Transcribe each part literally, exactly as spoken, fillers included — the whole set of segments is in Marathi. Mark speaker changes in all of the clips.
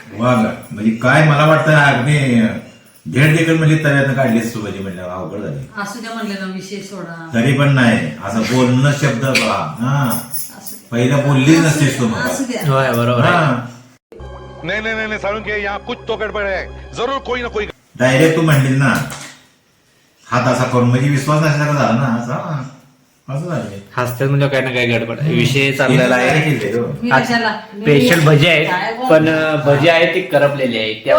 Speaker 1: वा म्हणजे काय मला वाटतं अगदी भेट देखील म्हणजे तव्यानं काढलीच तू म्हणजे म्हणलं अवघड झाली.
Speaker 2: असू द्या म्हणलं ना विषय सोडा.
Speaker 1: तरी पण नाही असं बोलणं शब्द बघा हा पहिला बोललीच नसतेस तू मला.
Speaker 2: असू द्या.
Speaker 3: होय बरोबर आहे.
Speaker 1: हा
Speaker 4: नहीं नहीं नहीं साळुंखे यहाँ कुछ तो गड़बड़ है जरूर कोई ना कोई.
Speaker 1: डायरेक्ट तू म्हणलीस ना हात असा करून म्हणजे विश्वास नसल्यासारखं झाला ना असा असं झालं.
Speaker 3: हसतात म्हणजे काय ना काय गडबड आहे. विषय चाललेला आहे.
Speaker 2: मी कशाला
Speaker 3: स्पेशल भजी आहेत पण भजी आहे ती करपलेली आहे त्या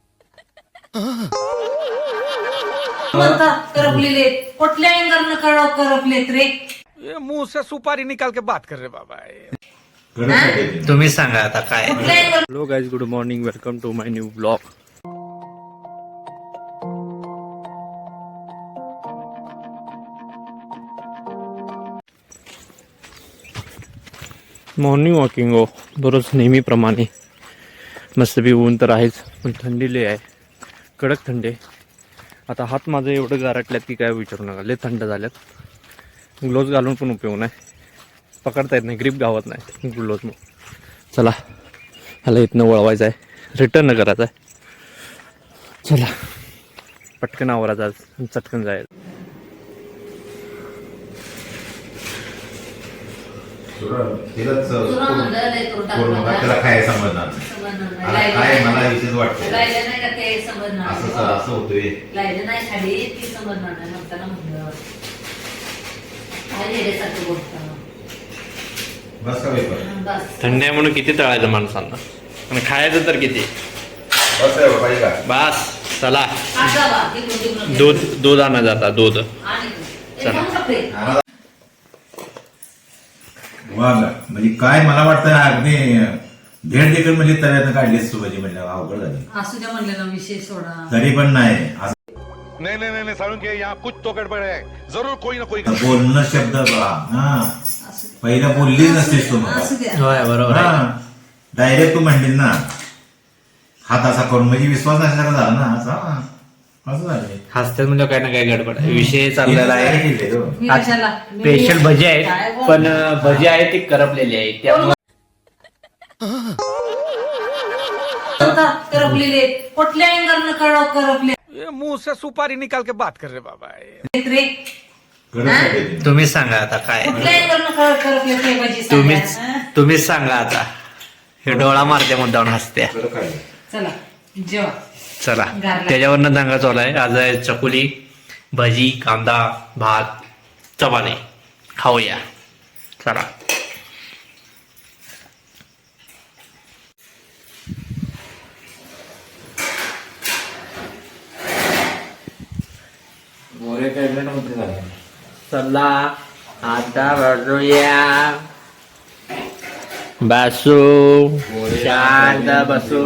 Speaker 2: म्हणता करपलेले कुठल्या अँगलनं कळव करपलेत रे.
Speaker 4: ये मुंह से सुपारी निकाल के बात कर रहे बाबा.
Speaker 3: तुम्ही सांगा आता काय.
Speaker 2: कुठल्या angle.
Speaker 3: Hello guys, good morning, welcome to my new blog. Morning walking हो दररोज नेहमीप्रमाणे. मस्तपैकी ऊन तर आहेच पण थंडी लय आहे, कडक थंडी आहे. आता हात माझं एवढं गारटल्यात की काय विचारू नका, लय थंड झाल्यात. ग्लोव्ज घालून पण उपयोग नाही, पकडता येत नाही, ग्रीप गावत नाही ग्लोव्ज मग. चला ह्याला इथनं वळवायचं आहे, रिटर्न करायचं आहे. चला पटकन आवरायचं आज, चटकन जायचं.
Speaker 1: त्याला काय समजणार काय मला विशेष वाटतं
Speaker 2: राहिलं नाही का ते समजणार.
Speaker 1: असं असं होतोय.
Speaker 2: राहिलं नाही खाली ती समजणार नाही म्हणताना म्हणलं काय येण्यासारखं बोलतं.
Speaker 1: बस का पेपर
Speaker 2: बस
Speaker 3: थंडी आहे म्हणून किती तळायचं माणसांना आणि खायचं तर किती.
Speaker 1: बस आहे पाहिजे का
Speaker 3: बस चला
Speaker 2: आज जावा तिकडून तिकडून
Speaker 3: दूध दूध आणा जाता दूध.
Speaker 2: आणि
Speaker 3: चला.
Speaker 2: एकदम कपडे.
Speaker 1: वा म्हणजे काय मला वाटतं अगदी भेट देखील म्हणजे तव्यानं काढलीच तू म्हणजे म्हणलं अवघड झाली.
Speaker 2: असू द्या म्हणलं ना विषय सोडा.
Speaker 1: तरी पण नाही असं
Speaker 4: नहीं नहीं नहीं साळुंखे यहाँ कुछ तो गड़बड़ है जरूर कोई ना कोई.
Speaker 1: बोलणं शब्द बघा हा
Speaker 2: असू
Speaker 1: पहिला बोललीच नसतेस तू मला.
Speaker 2: असू द्या.
Speaker 3: होय बरोबर आहे.
Speaker 1: हा डायरेक्ट तू म्हणलीस ना हात असा करून म्हणजे विश्वास नसल्यासारखं झाला ना असा असं झालं.
Speaker 3: हसतात म्हणजे काय ना काय गडबड आहे. विषय चाललेला आहे.
Speaker 2: मी कशाला
Speaker 3: स्पेशल भजी आहेत पण भजी आहे ती करपलेली आहे त्यामुळे
Speaker 2: म्हणता करपलेले कुठल्या अँगलनं कळव करपले
Speaker 4: ये मुंह से सुपारी निकाल के बात कर रहे बाबा.
Speaker 2: रे.
Speaker 3: तुम्ही सांगा आता काय.
Speaker 2: कुठल्या अँगलनं कळव करपले ते पाहिजे
Speaker 3: तुम्हीच
Speaker 2: सांगा.
Speaker 3: तुम्हीच सांगा आता. हे डोळा मारते मुद्दावून हसत्या.
Speaker 2: चला जेवा.
Speaker 3: चला
Speaker 2: गारला.
Speaker 3: त्याच्यावरनं दांगा चालू आहे. आज आहे चकुली, भजी, कांदा, भात, चपाती खाऊया. चला चला आता बसूया. बसू शांत बसू.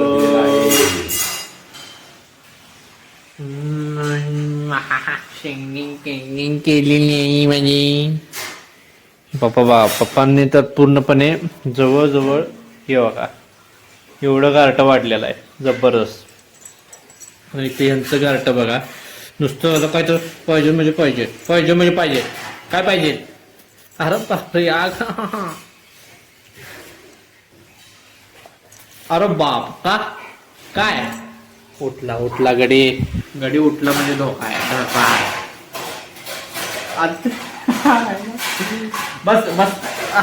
Speaker 3: सिंगिंग सिंगिंग केलेली म्हणजे पप्पा बा पप्पांनी तर पूर्णपणे जवळजवळ हे बघा एवढं गारटं वाढलेलं आहे जबरदस्त. आणि ते यांचं गारटं बघा नुसतं आता काय तर पाहिजे म्हणजे पाहिजे पाहिजे म्हणजे पाहिजे काय पाहिजे. अरे बापरे आग. अरे बाप का काय उठला उठला गडी गडी उठला म्हणजे धोका आहे धोका आहे. बस बस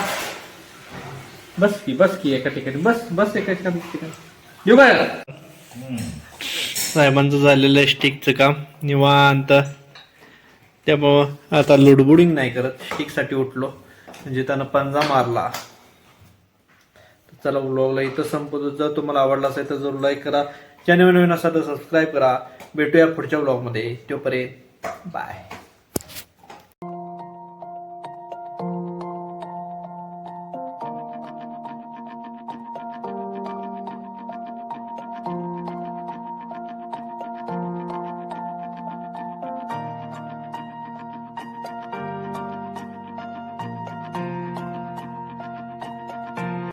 Speaker 3: बस की बस की एका ठिकाणी बस बस एका ठिकाणी येऊ काय. साहेबांचं झालेलं आहे स्टिकचं काम निवांत, त्यामुळं आता लुडबुडिंग नाही करत. स्टिकसाठी उठलो म्हणजे त्यानं पंजा मारला. चला व्लॉगला इथं संपवतो. जर तुम्हाला आवडला असेल तर जरूर लाईक करा, चॅनल नवीन असाल तर सबस्क्राईब करा. भेटूया पुढच्या व्लॉगमध्ये, तोपर्यंत बाय.